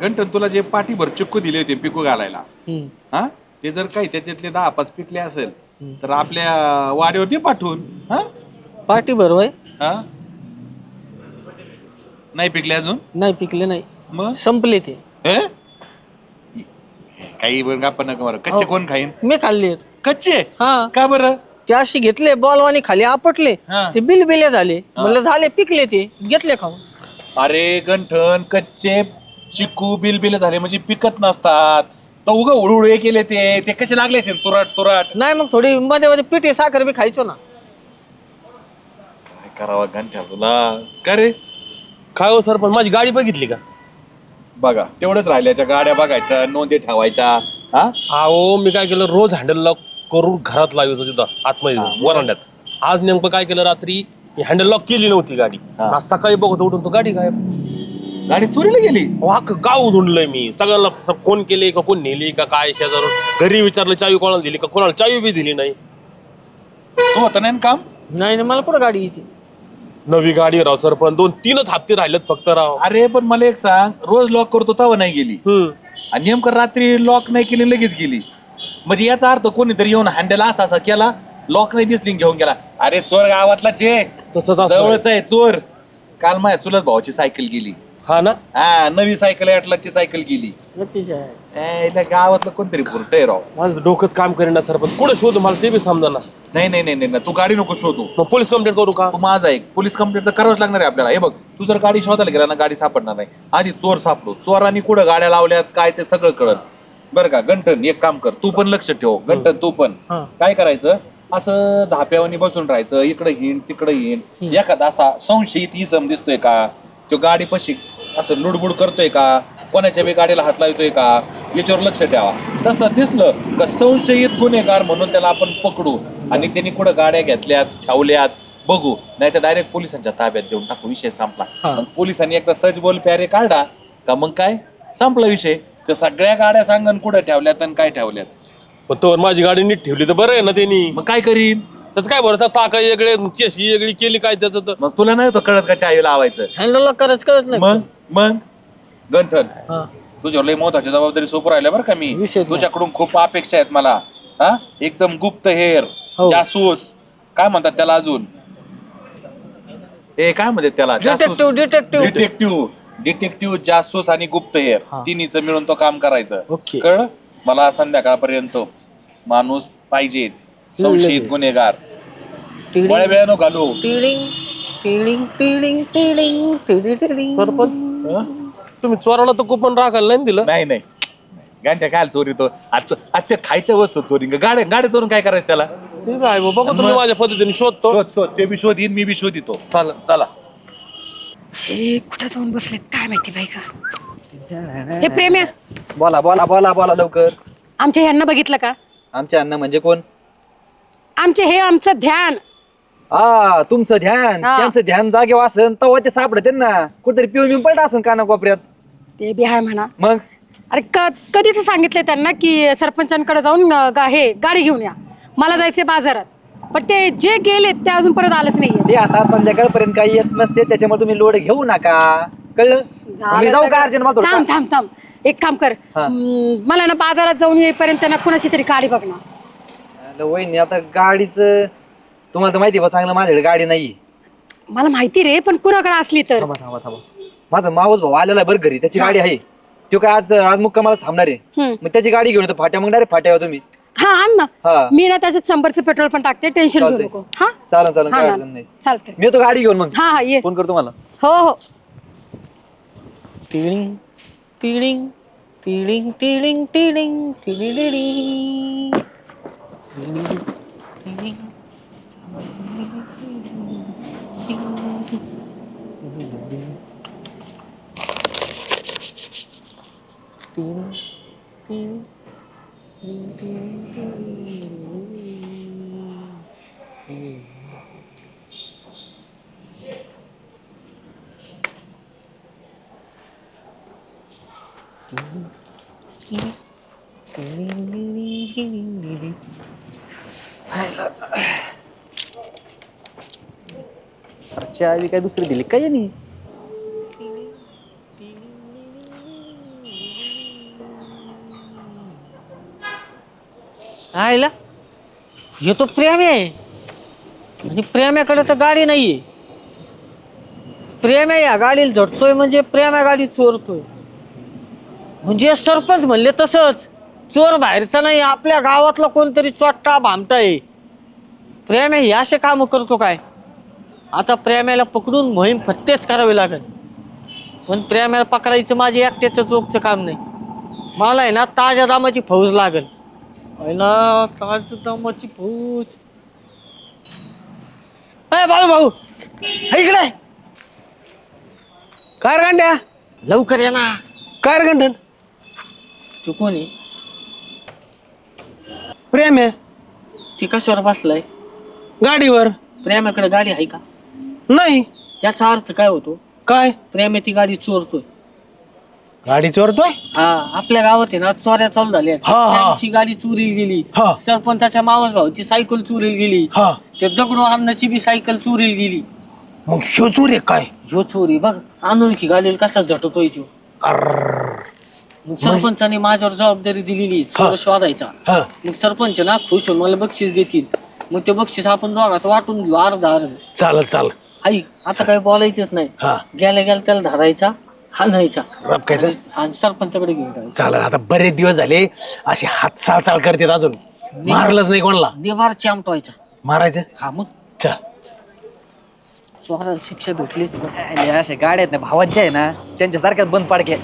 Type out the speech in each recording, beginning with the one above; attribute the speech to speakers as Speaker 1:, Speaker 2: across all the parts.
Speaker 1: घंटन तुला जे पाठीभर चिक्कू दिले होते पिकू घालायला हा ते जर काही त्याच्यातले 10-5 पिकले असेल तर आपल्या वाड्यावरती पाठवून हा
Speaker 2: पाठी भरवाय
Speaker 1: हा नाही पिकले अजून
Speaker 2: नाही पिकले नाही
Speaker 1: मग
Speaker 2: संपले ते
Speaker 1: हे? काही बरं आपण नका बरं कच्चे कोण खाईन
Speaker 2: मी खाल्ले
Speaker 1: कच्चे
Speaker 2: हा
Speaker 1: का बरं
Speaker 2: ते अशी घेतले बॉलवानी खाली आपटले
Speaker 1: हा.
Speaker 2: ते बिले झाले म्हणलं झाले पिकले ते घेतले खाऊन
Speaker 1: अरे गंठन कच्चे चिकू बिल झाले म्हणजे पिकत नसतात तर उगा उडुळे केले ते कसे लागले असेल तुराट तुराट
Speaker 2: नाही मग थोडी मध्ये मध्ये पिठी साखर बी खायचो ना
Speaker 1: काय करावं घंट्या तुला का रे
Speaker 3: काय हो सर पण माझी गाडी बघितली का?
Speaker 1: बघा तेवढंच राहिल्याच्या गाड्या बघायच्या नोंदी ठेवायच्या हा
Speaker 3: अहो मी काय केलं रोज हँडल लॉक करून घरात लावत होतो तिथं आतमध्ये वरांड्यात. आज नेमकं काय केलं रात्री हँडल लॉक केली नव्हती गाडी.
Speaker 1: हा.
Speaker 3: आज सकाळी बघत उठून तो गाडी गायब.
Speaker 1: गाडी चोरीला गेली
Speaker 3: गाव धुंडलंय मी सगळ्यांना फोन केले का कोण नेली का काय शेजारून घरी विचारलं चावी कोणाला दिली का कोणाला चावी बी दिली नाही.
Speaker 1: तू होता नाही ना काम
Speaker 2: नाही नाही, मला कुठं गाडी येते
Speaker 3: नवी गाडी राव सर पण 2-3च हप्ते राहिलेत फक्त राव.
Speaker 1: अरे पण मला एक सांग रोज लॉक करतो तेव्हा नाही गेली आणि नेमकं रात्री लॉक नाही केली लगेच गेली म्हणजे याचा अर्थ कोणीतरी येऊन हँडल असा केला लॉक नाही दिसली घेऊन गेला अरे चोर गावातला चे
Speaker 3: तसंच असणार.
Speaker 1: जवळच आहे चोर काल माझ्या चुलत भावाची सायकल गेली
Speaker 3: हा ना
Speaker 1: हा नवी सायकल ॲटलासची सायकल गेली इथल्या गावातलं कोणतरी भुरट आहे राव
Speaker 3: माझं डोकंच काम करेना सर पण कुठं शोध मला ते बी समजा.
Speaker 1: नाही तू गाडी नको शोधू
Speaker 3: मग पोलीस कंप्लेंट करू का?
Speaker 1: तू माझा एक पोलीस कंप्लेंट तर करावंच लागणार आहे आपल्याला हे बघ तू जर गाडी शोधायला गेला ना गाडी सापडणार नाही आधी चोर सापडू चोरांनी कुठं गाड्या लावल्यात काय ते सगळं कळत बरं का गंठन एक काम कर तू पण लक्ष ठेव गंठन तू पण काय करायचं असं झाप्यावानी बसून राहायचं इकडे हिंड तिकडे हिंड एखादा असा संशयित इसम दिसतोय का तो गाडी पशी असं लुडबुड करतोय का कोणाच्या बी गाडीला हात लावतोय का याच्यावर लक्ष ठेवा तसं दिसलं का संशयित गुन्हेगार म्हणून त्याला आपण पकडू आणि त्यांनी कुठं गाड्या घेतल्यात ठेवल्यात बघू नाही तर डायरेक्ट पोलिसांच्या ताब्यात देऊन टाकू विषय संपला मग पोलिसांनी एकदा सच बोल प्यारे काढला का मग काय संपला विषय तर सगळ्या गाड्या सांगन कुठं ठेवल्यात आणि काय ठेवल्यात
Speaker 3: पण तो माझी गाडी नीट ठेवली तर बरं आहे ना त्यांनी.
Speaker 1: मग काय करीन
Speaker 3: त्याचं काय बरं चाका वेगळे चेशी वेगळी केली काय त्याचं तर
Speaker 1: मग तुला नाही तो कळत का चावी लावायचं
Speaker 2: हँडल करत नाही
Speaker 1: मग गंठन
Speaker 2: हा.
Speaker 1: तुझ्यावर लई महत्वाची जबाबदारी सोपं राहिल्या बरं का मी
Speaker 2: विषय नाही.
Speaker 1: तुझ्याकडून खूप अपेक्षा आहेत मला हा एकदम गुप्त हेर
Speaker 2: हो.
Speaker 1: जासूस काय म्हणतात त्याला अजून काय म्हणतात त्याला डिटेक्टिव्ह जासूस आणि गुप्त हेर
Speaker 2: हा.
Speaker 1: तिन्हीचं मिळून तो काम करायचं
Speaker 2: ओके.
Speaker 1: कळ मला संध्याकाळपर्यंत माणूस पाहिजे संशयित गुन्हेगार बळ्या वेळानं घालू
Speaker 3: सरपंच तुम्ही चोराला तर कुपन राखायला नाही दिलं.
Speaker 1: नाही गांठ्या काय चोरी तो आज त्या खायच्या वस्तू चोरी गाड्या चोरून काय करायचं त्याला
Speaker 3: ते काय बाबा तुम्ही माझ्या पद्धतीने शोधतो.
Speaker 1: शोध ते बी शोधीन मी बी शोधितो
Speaker 3: चालेल.
Speaker 1: चला
Speaker 4: हे कुठं जाऊन बसलेत काय माहिती बाई का हे प्रेम्या
Speaker 5: बोला बोला बोला बोला लवकर.
Speaker 4: आमच्या ह्यांना बघितलं का
Speaker 5: आमच्या अण्णा म्हणजे कोण?
Speaker 4: आमचं ध्यान
Speaker 5: हा तुमचं ध्यान
Speaker 4: हा.
Speaker 5: त्यांचं ध्यान जागेवर असन तेव्हा ते सापडते ना कुठेतरी पिऊन पडत असन काना कोपऱ्यात.
Speaker 4: ते बी आहे म्हणा
Speaker 5: मग
Speaker 4: अरे कधीच सांगितलंय त्यांना की सरपंचांकडे जाऊन हे गाडी घेऊन या मला जायचंय बाजारात पण ते जे गेले ते अजून परत आलंच नाहीये
Speaker 5: ते आता संध्याकाळपर्यंत काही येत नसते त्याच्यामुळे तुम्ही लोड घेऊ नका कळलं. मी जाऊ का अर्जंट मात्र
Speaker 4: थांब एक काम कर
Speaker 5: हा.
Speaker 4: मला ना बाजारात जाऊन येईपर्यंत ना कुणाची तरी गाडी बघ ना.
Speaker 5: वहिनी आता गाडीचं तुम्हाला तर माहिती आहे बा चांगलं माझ्याकडे गाडी नाही.
Speaker 4: मला माहिती रे पण कुणाकडे असली तर
Speaker 5: थांबा माझा मावस भाऊ आलेला आहे बरं घरी त्याची गाडी आहे तो काय आज मुक्कामाला थांबणार आहे मग त्याची गाडी घेऊन येतो फाट्या मग डायरेक्ट फाट्यावर तुम्ही.
Speaker 4: हा आण ना
Speaker 5: हा.
Speaker 4: मी ना त्याच्यात 100चं पेट्रोल पण टाकते टेन्शन घेऊ
Speaker 5: चालतंय.
Speaker 4: नको हा
Speaker 5: चालेल
Speaker 4: हा
Speaker 5: काय
Speaker 4: ना.
Speaker 5: अडचण नाही.
Speaker 4: चालतंय
Speaker 5: मी येतो गाडी घेऊन मग
Speaker 4: हा ये
Speaker 5: फोन करतो मला.
Speaker 4: हो हो
Speaker 2: टिळिंग टिळिंग टिळिंग टिळिंग टिळिंग टिळिंग
Speaker 5: चावी काय दुसरी दिली काय नाही.
Speaker 2: आयला हे तो प्रेम आहे आणि प्रेमाकडे तर गाडी नाहीये. प्रेम या गाडीला झटतोय म्हणजे प्रेम या गाडी चोरतोय. म्हणजे सरपंच म्हणले तसंच चोर बाहेरचा नाही, आपल्या गावातला कोणतरी चोट्टा भामटा आहे. प्रेम हे असे काम करतो काय? आता प्रेमाला पकडून मोहीम फत्तेच करावी लागेल. पण प्रेमाला पकडायचं माझे एकट्याचं चोकचं काम नाही. मला आहे ना ताज्या दामाची फौज लागेल. पहिला ताज्या दामाची फौज. बाळू भाऊ इकडे
Speaker 6: काय रे गांड्या?
Speaker 2: लवकर या ना.
Speaker 6: काय रे गंठन?
Speaker 2: तू कोणी?
Speaker 6: प्रेम आहे
Speaker 2: ती कशावर बसलाय?
Speaker 6: गाडीवर.
Speaker 2: प्रेमाकडे गाडी आहे का?
Speaker 6: नाही.
Speaker 2: याचा अर्थ काय होतो?
Speaker 6: काय?
Speaker 2: प्रेम ती गाडी चोरतोय.
Speaker 6: गाडी चोरतोय?
Speaker 2: हा आपल्या गावात आहे ना चोऱ्या चालू झाल्या.
Speaker 6: हा, हा.
Speaker 2: त्यांची गाडी चोरीला गेली.
Speaker 6: हा.
Speaker 2: सरपंचाच्या मावस भाऊची सायकल चोरीला गेली.
Speaker 6: हा.
Speaker 2: ते दगडू अण्णाची बी सायकल चोरीला गेली.
Speaker 6: मग ह्यो चोर आहे काय?
Speaker 2: ह्यो चोरी बघ अनोळखी गाडीला कसा झटतोय तो. मग सरपंचाने माझ्यावर जबाबदारी दिलेली चोर शोधायचा.
Speaker 6: हा.
Speaker 2: मग सरपंच ना खुश होऊन मला बक्षीस देतील. मग ते बक्षीस आपण दोघात वाटून घेऊ अर्धा अर्ध.
Speaker 6: चालेल चाल.
Speaker 2: ऐक आता काही बोलायचंच नाही.
Speaker 6: हा.
Speaker 2: गेल्या गेल्या त्याला धरायचा हाणायचा
Speaker 6: रपकायचं.
Speaker 2: आणि सरपंचाकडे घेऊन जायचं.
Speaker 6: चालेल. आता बरेच दिवस झाले असे हात चाल करतात, अजून मारलंच नाही कोणाला.
Speaker 2: निवार चामटवायचा.
Speaker 6: मारायचं.
Speaker 2: हा मग
Speaker 6: चल.
Speaker 2: चोराला शिक्षा भेटली.
Speaker 5: अशा गाड्या आहेत ना भावांच्या आहे ना, त्यांच्या सारख्याच बंद पाडके.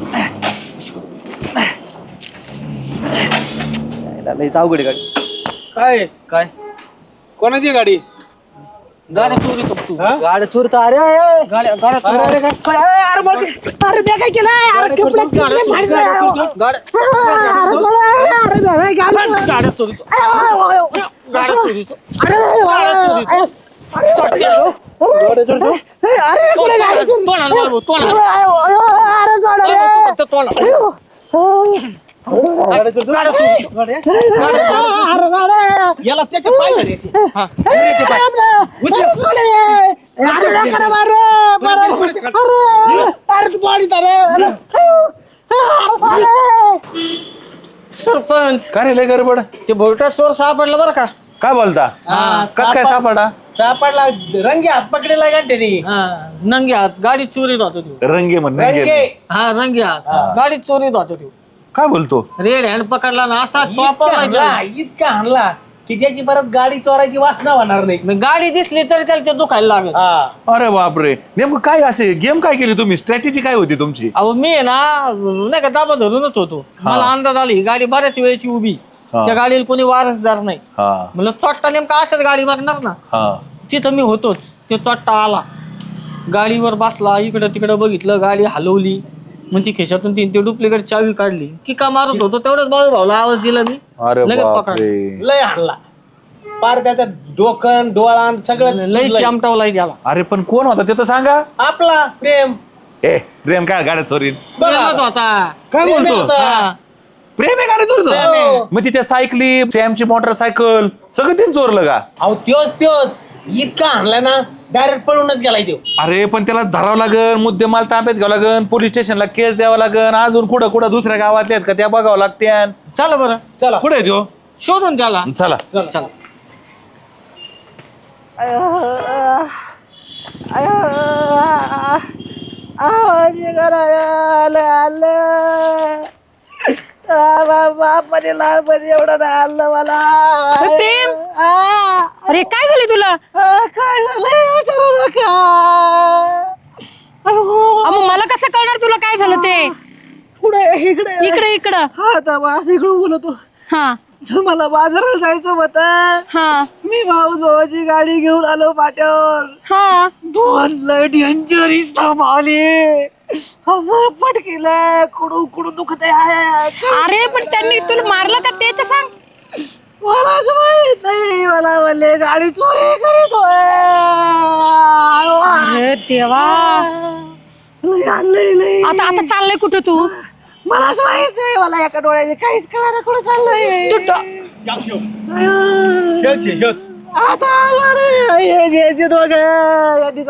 Speaker 5: लईच अवघड आहे गाडी.
Speaker 6: काय
Speaker 5: काय
Speaker 6: कोणाची गाडी?
Speaker 2: गाड्या चोरी तू.
Speaker 5: गाड्या चोरत? अरे
Speaker 2: गाड्या गाड्या
Speaker 6: अरे अरे काय?
Speaker 5: काय? अरे बघ. अरे मी काय केलं? अरे कपडे
Speaker 2: गाड्या चोरीतो. गाड्या चोरीतो.
Speaker 6: याला त्याच्या पाय धरायचे.
Speaker 2: सरपंच
Speaker 1: काय रे लय गडबड?
Speaker 2: ते भोरटा चोर सापडला बरं का?
Speaker 1: काय बोलता? कस काय सापडा?
Speaker 6: सापडला. रंगे हात पकडेला गांठ्याने.
Speaker 2: नंगे हात गाडी चोरीत होतो तो.
Speaker 1: रंगे म्हण
Speaker 6: रंगे.
Speaker 2: हा रंगे हात गाडी चोरीत होतो तो.
Speaker 1: काय बोलतो?
Speaker 2: रेड हँड पकडला ना असा
Speaker 6: इतका
Speaker 2: चोपवला
Speaker 6: हाणला,
Speaker 2: त्याला.
Speaker 6: इतका हाणला की त्याची परत गाडी चोरायची वासना होणार नाही.
Speaker 2: मग गाडी दिसली तरी त्याला ते दुखायला लागेल.
Speaker 1: अरे बापरे, नेमकं काय असे गेम काय केली तुम्ही? स्ट्रॅटेजी काय होती तुमची?
Speaker 2: अहो मी आहे ना नाही का दाबा धरूनच होतो. मला अंदाज आली ही गाडी बऱ्याच वेळेची उभी.
Speaker 1: हा.
Speaker 2: त्या गाडीला कोणी वारसदार नाही.
Speaker 1: हा
Speaker 2: म्हणलं चोट्टा नेमका अशाच गाडी बघणार ना.
Speaker 1: हा.
Speaker 2: तिथं मी होतोच. ते चोट्टा आला गाडीवर बसला, इकडं तिकडं बघितलं, गाडी हलवली. मग ती खिशातून ते डुप्लिकेट चावी काढली की का मारत होतो तेवढंच बाळू भाऊला आवाज दिला मी.
Speaker 1: अरे
Speaker 2: लगेच पकडलं.
Speaker 1: बापरे.
Speaker 6: लय हाणला. पार त्याचा डोकन डोळा सगळं
Speaker 2: लय चिमटावला त्याला.
Speaker 1: अरे पण कोण होता ते तर सांगा.
Speaker 6: आपला प्रेम.
Speaker 1: ए प्रेम काय गाड्या चोरीन?
Speaker 2: प्रेमात होता.
Speaker 1: काय
Speaker 6: प्रेम
Speaker 1: बोलतो?
Speaker 6: होता.
Speaker 2: हा.
Speaker 1: प्रेम आहे गाडी चोरतो?
Speaker 2: प्रेम आहे.
Speaker 1: म्हणजे त्या सायकली, सॅमची मोटरसायकल सगळं ते चोरलं का?
Speaker 6: अहो त्योच इतका हाणला ना डायरेक्ट पळूनच गेलाय तो.
Speaker 1: अरे पण त्याला धरावं लागन, मुद्देमाल ताब्यात घ्यावं लागन, पोलीस स्टेशनला केस द्यावं लागन, अजून कुठं कुठं दुसऱ्या गावातले आहेत का त्या बघावं लागत्या.
Speaker 2: चला बरं
Speaker 6: चला.
Speaker 1: कुठे आहे त्यो?
Speaker 2: शोधून त्याला.
Speaker 1: चला.
Speaker 2: चला.
Speaker 4: प्रेम अरे काय झालं तुला? मग मला कसं कळणार तुला काय झालं ते?
Speaker 2: पुढे इकडे
Speaker 4: इकडे इकडं.
Speaker 2: हा आता असं इकडे बोलतो.
Speaker 4: हा
Speaker 2: मला बाजाराला जायचं होतं.
Speaker 4: हा
Speaker 2: मी भावाची गाडी घेऊन आलो पाट्यावर.
Speaker 4: हा.
Speaker 2: दोन लय डेंजरीस थांबवले. असं पटकेलं कुडू कुडू दुखत आहे.
Speaker 4: अरे पण त्यांनी तुला मारलं का ते तर सांग.
Speaker 2: मला असं माहित नाही. मला म्हणले गाडी चोरी करीतोय.
Speaker 4: अरे देवा.
Speaker 2: लय
Speaker 4: आता आता चाललंय कुठं तू?
Speaker 2: मला असं माहित नाही. मला एका डोळ्याने काहीच कळणार कुठं चाललंय.
Speaker 4: तू
Speaker 2: आता हे दोघं यांनी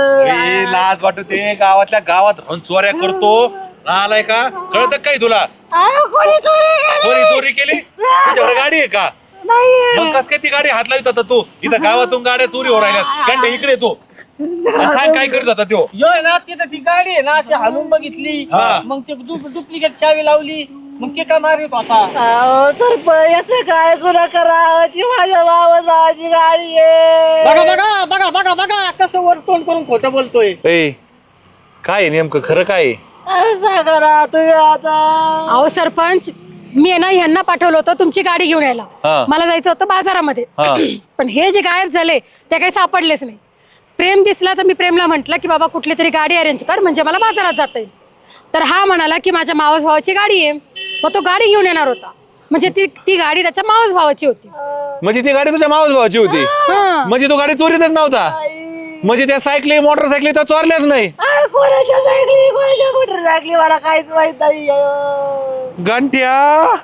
Speaker 2: चाललं.
Speaker 1: लाज वाटते गावातल्या गावात राहून चोऱ्या करतो. आलाय का? कळत काही तुला? कोणी चोरी केली तुझ्याकडे गाडी आहे का? मग कस काय ती गाडी हात लावित होता तू? इथं गावातून गाड्या चोरी हो राहिल्यात. घंटे इकडे तू काय करत होता तो?
Speaker 2: यो आहे ना तिथं ती गाडी आहे ना अशी हालून बघितली, मग ते डुप्लिकेट चावी लावली, मग ते का मारित होता.
Speaker 7: सरपंच काय गुन्हा करा ती माझ्या भावाची गाडी आहे.
Speaker 2: बघा बघा बघा बघा बघा कसं वर तोंड करून खोटं बोलतोय.
Speaker 5: काय नेमकं खरं काय?
Speaker 7: सांगा ना तुम्ही आता.
Speaker 4: अहो सरपंच, मी आहे ना ह्यांना पाठवलं होतं तुमची गाडी घेऊन यायला. मला जायचं होतं बाजारामध्ये. पण हे जे गायब झाले ते काही सापडलेच नाही. प्रेम दिसला तर मी प्रेमला म्हटलं की बाबा कुठली तरी गाडी अरेंज कर म्हणजे मला बाजारात जाता येईल. तर हा म्हणाला की माझ्या मावस भावाची गाडी आहे. मग तो गाडी घेऊन येणार होता. म्हणजे ती गाडी त्याच्या मावस भावाची होती.
Speaker 5: म्हणजे ती गाडी तुझ्या मावस भावाची होती? म्हणजे तो गाडी चोरीतच नव्हता? म्हणजे त्या सायकली मोटरसायकली तर चोरल्याच नाही?
Speaker 7: कोणाच्या सायकली कोणाच्या मोटरसायकली मला काहीच माहित नाही.
Speaker 5: गंठ्या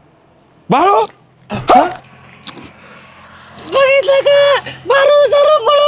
Speaker 5: बाळू
Speaker 7: बघितलं का मारू सर्व